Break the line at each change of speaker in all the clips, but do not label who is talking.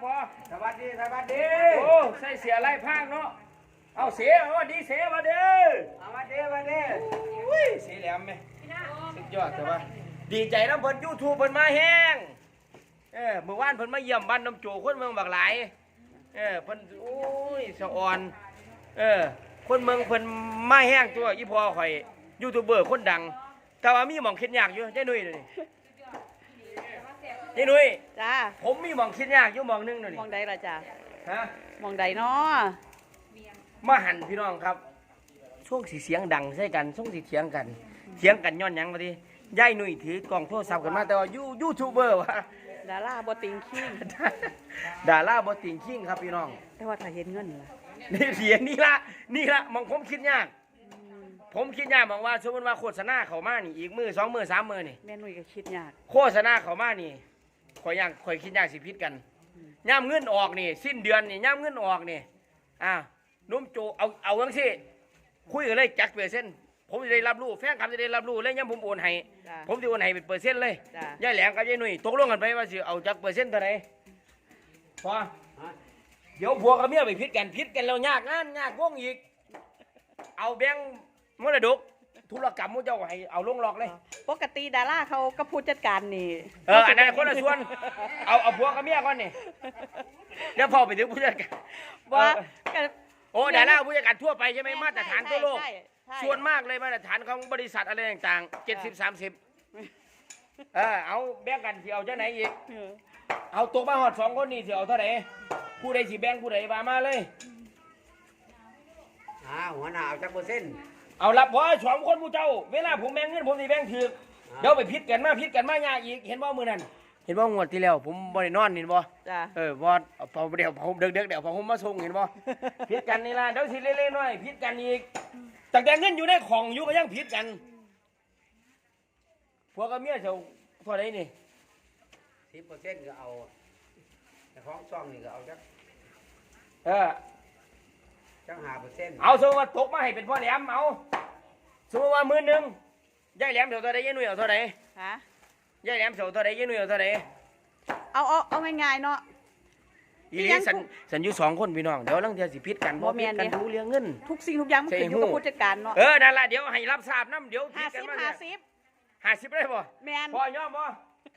พอ
สวัสดีสวัสดี
โอ้ใส่เสียไรพางเนาะเอาเสียว่าดีเสียมาเด้อ
สวัสดีสวัสดี
อุ้ยเสียแหลมไหมสุดยอดแต่ว่าดีใจน้ำเพิ่นยูทูบเพิ่นมาแห้งเมื่อวานเพิ่นมาเยี่ยมบ้านน้ำโจคนเมืองบักหลายเพิ่นโอ้ยสะอ่อนคนเมืองเพิ่นมาแห้งตัวอีพอข่อยยูทูบเบอร์คนดังแต่ว่ามีหม่องคิดยากอยู่เจ้หนุ่ยนี่เจ้หนุ่ย
จ้า
ผมมีหม่องคิดยากอยู่หม่องนึงนี่
มองใดล่ะจ้า
ฮะ
มองใดเนาะ
มาหันพี่น้องครับช่วงสีเสียงดังใช่กันช่วงสีเถียงกันย้อนหยังมาดิย่ายหนุ่ยถือกล่องโทรศัพท์กันมาแต่ว่ายูทูบเบอร์วะ
ดาราบอติงคิง
ดาราบอติงคิงครับพี่น้อง
แต่ว่าถ้าเห็นเงินล่ะ
นี่เสียงนี่ละมองผมคิดยากมองว่าสมมติว่าโฆษณาเขามานี่อีกมือ2 มือ3 มือนี่
แม่นุ่ยก็คิดยาก
โฆษณาเขามานี่ข่อยคิดยากสิพิษกันย่ำเงินออกนี่สิ้นเดือนนี่ย่ำเงินออกนี่นุ่มโจเอาทั้งสิคุยกันเลยจักเปอร์เซ็นต์ผมจะได้รับรู้แฟนคลับจะได้รับรู้เลยย่ำผมโอนให้ผมจะโอนให้เป็นเปอร์เซ็นต์เลยย่ายแหลมกับย่ายหนุ่ยตกลงกันไปว่าสิเอาจักเปอร์เซ็นต์เท่าไหร่พอเดี๋ยวผัวกับเมียไปพิษกันแล้วยากงานยากวงอีกเอาแบงค์มรดกธุรกรรมมุ้เจ้าให้เอาลงหลอกเลย
ปกติดาราเขาก็ผู้จัดการนี่
อันนั้นคนละส่วนเอาผัวกับเมียก่อนนี่เดี๋ยวพอไปถึงผู้จัดการ
ว่า
โอ้ดาราผู้จัดการทั่วไปใช่ไหมมาตรฐานทั่วโลกส่วนมากเลยมาตรฐานของบริษัทอะไรต่างๆ70-30เอาแบ่งกันสิเอาเจ้าไหนอีกเอาตกมาหอด2 คนนี่สิเอาเท่าไหร่ผู้ใดสิแบ่งผู้ใดมาเลย
หัวหน้าเอาจักเปอร์เซ็นต์
เอารับเพราะ2 คนผู้เจ้าเวลาผมแบ่งเงินผมสิแบ่งถือเดี๋ยวไปพิษกันมายากอีกเห็นบ่มือนั่นเห็นบ่งวดที่แล้วผมบ่ได้นอนเห็นบ่บ่พอเดี๋ยวผมเด็กพอผมมาส่งเห็นบ่พิษกันนี่ล่ะเดี๋ยวสิเล่นๆหน่อยพิษกันอีกตั้งแต่เงินอยู่ในของอยู่ก็ยังพิษกันพวกกับเมียเจ้าเท่าไหร่นี่
10%ก็เอาแต่ของช่องนี่ก็เอาจัก5%
เอาสมมติว่าตกมาให้เป็นพ่อแหลมเอาสมมติว่า10,000ย่ายแหลมเท่าไหร่ย่ายหนุ่ยเอาเท่าไหร่
ฮะ
ย่ายแหลมเท่าไหร่ย่ายหนุ่ยเอาเท่าไหร่
เอาง่ายๆเนาะ
อีนี่สันอยู่2 คนพี่น้องเดี๋ยวลังเทียสิพิษกัน
บ่พิษ
กันดูเรื่องเงิน
ทุกสิ่งทุกอย่างมันขึ้นอยู่กับผู้จัดการเนาะ
นั่นแหละเดี๋ยวให้รับทราบน้ำเดี๋ยวพิษกันมา50ได้ป่ะ
แมน
พอยอมป่ะ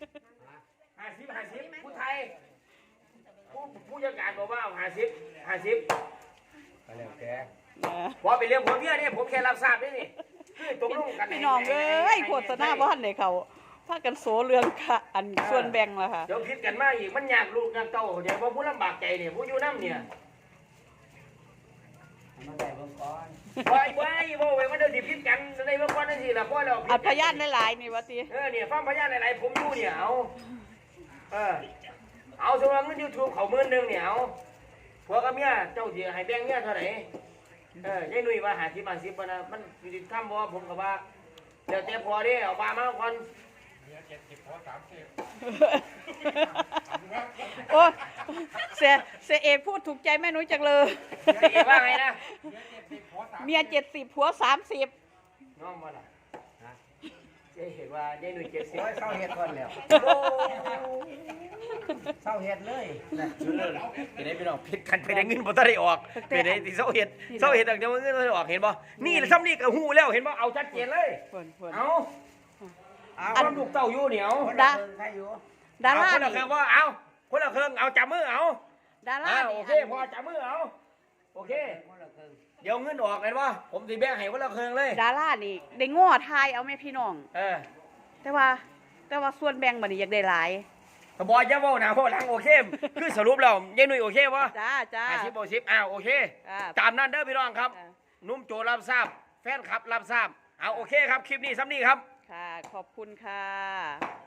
50ผู้ไทยผู้จัดการบอกว่า50
ไปแล้วแก
พอไปเรื่องผมเนี่ยผมแค่รับทราบนี่คือตกลงกัน
พี่น้องโฆษณาบ้านเลยเขาพากันโสเรื่องค่ะอันส่วนแบ่งล่ะค่ะ
เดี๋ยวพิษกันมาอีกมันยากลูกยากเต้าเดี๋ยวพอผู้ลำบากใจเนี่ยผู้อยู่น้ำเนี่ย
มาได้เบิ่งก่อน
ไว้มันเดี๋ยวสิพิษกันในเมื่อก่อนนั่นสิล่ะพ่อเรา
อัดพยานหลายๆนี่วะที
เนี่ยฟังพยานหลายๆผมอยู่เนี่ยเอาสำหรับเงิน YouTube เขา10,000เนี่ยเอาพวกกับเมียเจ้าสิให้แบ่งเมียเท่าไหร่ยายหนุ่ยว่า50 นะมันสิทำบ่ผมก็ว่าเดี๋ยวแต่พอเด้เอาปลามาก่อน
70 พอ 30โอ้เสียเอกพูดถูกใจแม่นุ้ยจังเลย
ว่าไงนะ
เมีย70 ผัว 30
น้องมาล่ะเห็นว่ายายหนุ่ย70
เศร้าเฮ็ดก่อนแล้วเศร้าเฮ็ดเลย
เป็นไงพี่น้องพิษกันไปได้เงินบ่ได้ออกเป็นไงที่เศร้าเฮ็ดตั้งแต่ว่าเงินบ่ได้ออกเห็นบ่นี่ซ้ำนี่ก็ฮู้แล้วเห็นบ่เอาชัดเจนเลยเอาความลูกเต้าอยู่เหนียว
ดารา
คนละเครื่องว่าเอาคนละเครื่องเอาจับมือเอา
ดารา
โอเคพอจับมือเอาโอเคเดี๋ยวเงินออกเห็นบ่ผมสิแบ่งให้คนละเครื่องเลย
ดารานี่ได้ง้อทายเอาแม่พี่น้องแต่ว่าส่วนแบ่งบัดนี้อยากได้หลาย
บอยจะว่าหนาเพราะหลังโอเคคือสรุปแล้วยายหนุ่ยโอเคป่ะ
จ้า
50 โอเคตามนั้นเด้อพี่น้องครับนุ่มโจรับทราบแฟนคลับรับทราบเอาโอเคครับคลิปนี้ซ้ำนี่ครับ
ค่ะขอบคุณค่ะ